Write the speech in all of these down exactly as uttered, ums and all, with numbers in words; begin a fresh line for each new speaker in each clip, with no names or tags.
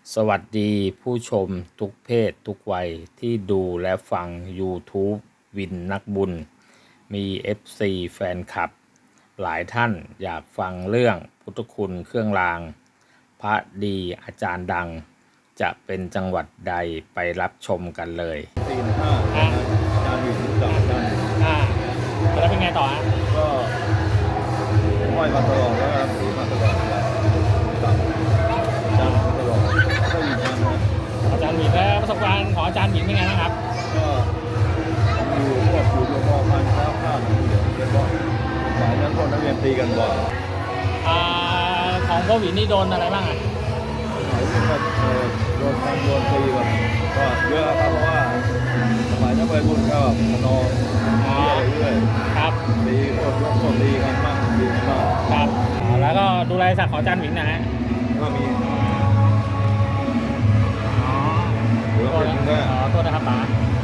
สวัสดีผู้ชมทุกเพศทุกวัยที่ดูและฟัง YouTube วินนักบุญ มี เอฟ ซี แฟนคลับ หลายท่านอยากฟังเรื่องพุทธคุณเครื่องราง พระดีอาจารย์ดัง จะเป็นจังหวัดใดไปรับชมกันเลย
สี่หนึ่งห้าอาจารย์อยู่กับอาจารย์อยู่
อ่าแล้วเป็นไงต่อฮะ
ก็ห้อยมาตลอดแล้วครับถือมาตลอดครับอาจารย์มาตลอดก็อยู่นานนะ
อาจารย์หมินแล้วประสบการณ์ของอาจารย์หมินเป็นไงบ้างครับ
ก็อยู่พวกอยู่โรงพยาบาลค้าข้าวเหลืองเป็นว่าสายนั้นพวกนักเรียนตีกันบ่อย
อ่าของพ่อหวินนี่โดนอะไรบ้างอ่ะ
สายนี้ก็โดนทำโดนตีแบบก็เยอะครับเพราะว่าสมัยนักเรียนรุ่นก็มานอนเรื่อย
ๆครับ
ตีพวกพวกตีกันมากตีกันมาก
ครับแล้วก็ดูแลศักดิ์ของอาจารย์หมินนะฮะ
ก็มี
อ๋อ
หรือว่าเป็นแค่
อ๋อโทษนะครับป๋า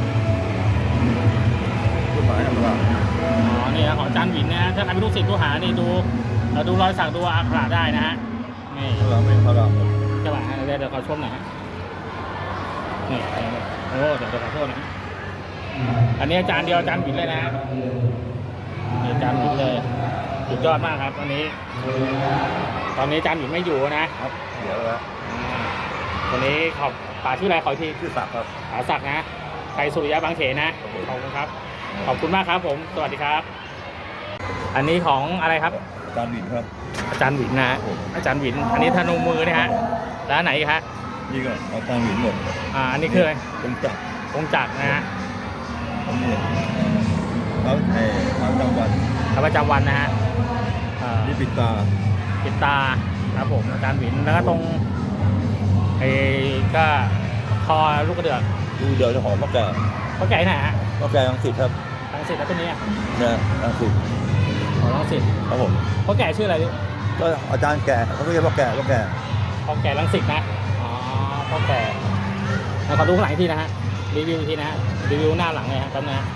ผู้หมายธรรมดา
อ๋อนี่นะของอาจารย์หมินนะฮะถ้าใครเป็นลูกศิษย์ลูกหานี่ดูดูรอยสักดูอักขระได้นะฮะนี่
เราเป็นพระราม
ใช่ป่ะเดี๋ยวเดี๋ยวขอชมหน่อยฮะนี่โอ้เดี๋ยวเดี๋ยวขอโทษนะอันนี้อาจารย์เดียวอาจารย์หมินเลยนะนี่อาจารย์หมินเลยสุดยอดมากครับตอนนี้ตอนนี้อาจารย์หมินไม่อยู่นะครับ
เดี๋ยวแล้ว
วันนี้ขอบป่าชื่ออะไรขอที่
ชื่อศักดิ์ครับ
ป่าศักดิ์นะใครสุริยะบางเขนนะขอบคุณครับขอบคุณมากครับผมสวัสดีครับอันนี้ของอะไรครับ
อาจารย์หวินครับ
อาจารย์หวินนะอาจารย์หวินอันนี้ธนูมือนี่ฮะแล้วไหนครับ
นี่ก็อาจารย์หวินหมด
อ่าอันนี้คืออะไร
องค์จักร
องค์จักรนะฮะ
อันนี้เขาไอ้ทางจังหวัด
ทางประจำวันนะฮะ
นี่ปิดตา
ปิดตาครับผมอาจารย์หวินแล้วก็ตรงไอ้ก็คอลูกกระเดือก
ดูเดี๋ยวจะหอมมะแก่
มะแก่ไหนฮะ
มะแก่รังสิตครับ
รังสิตแล้วตัวนี้
เนี่ยรังสิต
อ๋อรังสิต
ครับผม
พ่อแก่ชื่ออะไร
ก็อาจารย์แก่เขาเรียกพ่อแก่พ่อแก่
พ่อแก่รังสิตนะอ๋อพ่อแก่ขอดูข้างหลังที่นะฮะรีวิวที่นะฮะรีวิวหน้าหลังเลยฮะตั้งนะ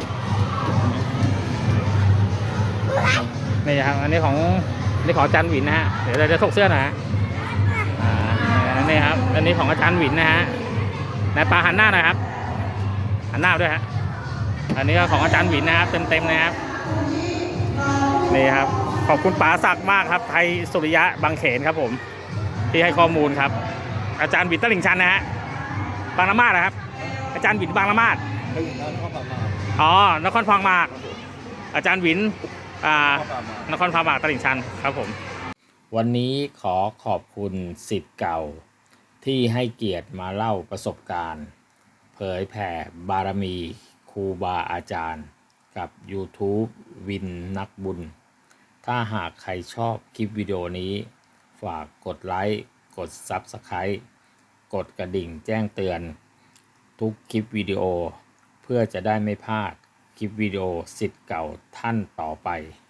นี่ครับอันนี้ของนี่ของอาจารย์หวินนะฮะเดี๋ยวเราจะถกเสื้อหน่อยฮะอ่านี่ครับอันนี้ของอาจารย์หวินนะฮะนายปลาหันหน้าหน่อยครับหันหน้าด้วยฮะอันนี้ก็ของอาจารย์หวินนะครับเต็มๆนะครับนี่ครับขอบคุณป๋าศักดิ์มากครับไทยสุริยะบางเขนครับผมที่ให้ข้อมูลครับอาจารย์หวินตลิ่งชันนะฮะบางละมาดนะครับอาจารย์หวินบางละมาดอ๋อนครพองมากอาจารย์หวินอ่านครพองมากตลิ่งชันครับผม
วันนี้ขอขอบคุณศิษย์เก่าที่ให้เกียรติมาเล่าประสบการณ์เผยแผ่บารมีครูบาอาจารย์กับ YouTube วินนักบุญถ้าหากใครชอบคลิปวิดีโอนี้ฝากกดไลค์กด ซับสไครบ์ กดกระดิ่งแจ้งเตือนทุกคลิปวิดีโอเพื่อจะได้ไม่พลาดคลิปวิดีโอศิษย์เก่าท่านต่อไป